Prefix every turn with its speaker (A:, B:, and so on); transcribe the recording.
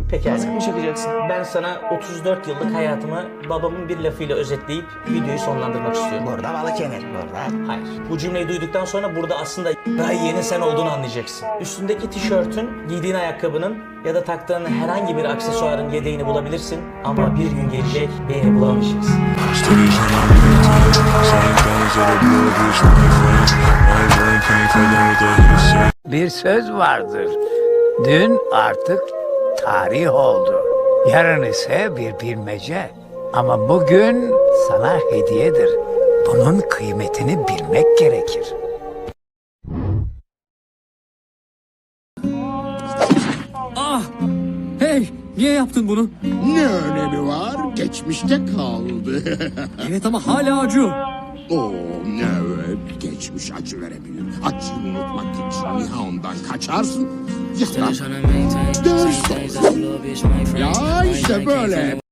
A: Peki
B: Maske mi çekeceksin?
A: ben sana 34 yıllık hayatımı babamın bir lafıyla özetleyip videoyu sonlandırmak istiyorum.
B: Burada balık yenir burada.
A: Hayır. Bu cümleyi duyduktan sonra burada aslında daha yeni sen olduğunu anlayacaksın. Üstündeki tişörtün, giydiğin ayakkabının ya da taktığın herhangi bir aksesuarın yedeğini bulabilirsin. Ama bir gün gelecek beni bulamayacaksın.
C: Bir söz vardır. Dün artık tarih oldu. Yarın ise bir bilmece. Ama bugün sana hediyedir. Bunun kıymetini bilmek gerekir.
D: Hey, niye yaptın bunu?
E: Ne önemi var? Geçmişte kaldı.
D: Evet ama hala acıyor.
E: Oo, evet. Geçmiş acı verebilir. Acıyı unutmak için ya ondan kaçarsın ya da ders olsun. Ya işte böyle.